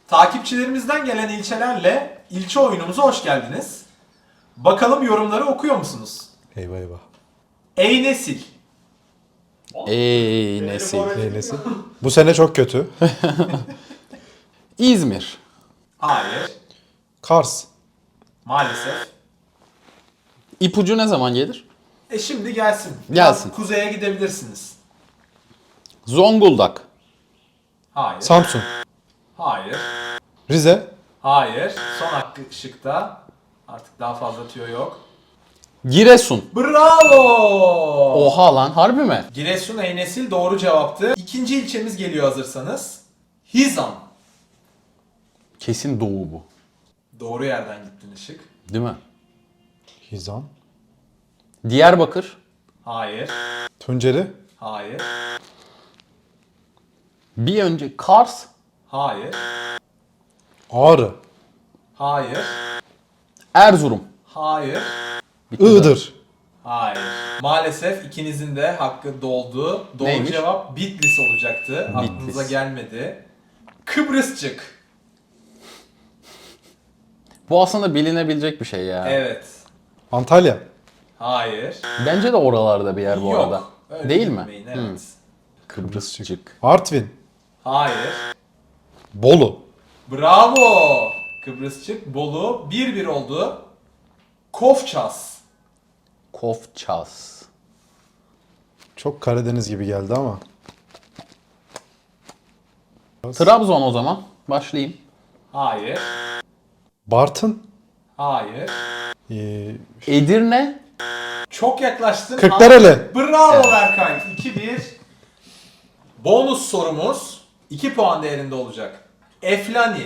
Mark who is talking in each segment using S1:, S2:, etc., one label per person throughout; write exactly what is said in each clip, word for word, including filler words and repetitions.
S1: Takipçilerimizden gelen ilçelerle ilçe oyunumuza hoş geldiniz. Bakalım yorumları okuyor musunuz?
S2: Eyvah eyvah.
S1: Ey nesil.
S3: Ey nesil.
S2: Neylesi? Bu sene çok kötü.
S3: İzmir.
S1: Hayır.
S2: Kars.
S1: Maalesef.
S3: İpucu ne zaman gelir?
S1: E şimdi gelsin. Biraz
S3: Gelsin.
S1: kuzeye gidebilirsiniz.
S3: Zonguldak.
S1: Hayır.
S2: Samsun.
S1: Hayır.
S2: Rize.
S1: Hayır. Son hakkı şıkta. Artık daha fazla tüyo yok.
S3: Giresun.
S1: Bravo!
S3: Oha lan, harbi mi?
S1: Giresun Ey nesil doğru cevaptı. İkinci ilçemiz geliyor hazırsanız. Hizan.
S3: Kesin doğu bu.
S1: Doğru yerden gittin Işık.
S3: Değil mi?
S2: Hizan.
S3: Diyarbakır.
S1: Hayır.
S2: Tunceli.
S1: Hayır.
S3: Bir önce Kars.
S1: Hayır.
S2: Ağrı.
S1: Hayır.
S3: Erzurum.
S1: Hayır.
S3: Bitti
S2: Iğdır.
S1: Hayır. Maalesef ikinizin de hakkı doldu. Doğru
S3: Neymiş?
S1: cevap Bitlis olacaktı. Aklınıza gelmedi. Kıbrısçık.
S3: Bu aslında bilinebilecek bir şey ya.
S1: Evet.
S2: Antalya.
S1: Hayır.
S3: Bence de oralarda bir yer bu
S1: Yok.
S3: arada.
S1: Öyle
S3: Değil mi?
S1: bilmeyin, Evet.
S3: Hı. Kıbrısçık.
S2: Artvin.
S1: Hayır.
S2: Bolu.
S1: Bravo. Kıbrısçık. Bolu. bir bir oldu. Kofças.
S3: Kofças.
S2: Çok Karadeniz gibi geldi ama.
S3: Trabzon o zaman. Başlayayım.
S1: Hayır.
S2: Bartın.
S1: Hayır.
S2: Ee,
S3: Edirne.
S1: Çok yaklaştın.
S2: Kırklareli.
S1: Bravo
S3: Evet.
S1: Berkay. iki bir. Bonus sorumuz iki puan değerinde olacak. Eflani.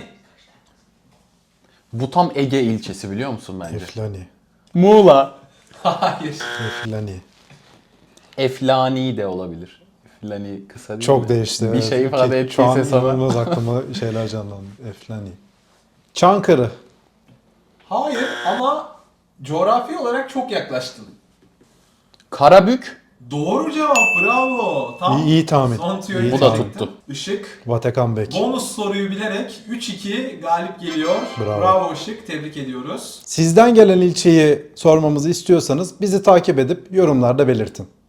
S3: Bu tam Ege ilçesi, biliyor musun bence?
S2: Eflani.
S3: Muğla.
S1: Hayır.
S2: Eflani.
S3: Eflani de olabilir. Eflani kısa değil
S2: Çok
S3: mi?
S2: değişti.
S3: Bir
S2: evet.
S3: şey ifade
S2: Ki Şu an
S3: ettiyse sana.
S2: inanılmaz aklıma şeyler canlandı. Eflani. Çankırı.
S1: Hayır ama coğrafi olarak çok yaklaştın.
S3: Karabük.
S1: Doğru cevap. Bravo. Tam
S2: İyi- iyi tahmin.
S1: Son tüyoyu
S2: İyi
S3: Bu da
S2: tahmin.
S1: çektin.
S3: tuttu.
S1: Işık.
S2: Vatikan Bek.
S1: Bonus soruyu bilerek üç iki galip geliyor.
S2: Bravo.
S1: Bravo Işık. Tebrik ediyoruz.
S2: Sizden gelen ilçeyi sormamızı istiyorsanız bizi takip edip yorumlarda belirtin.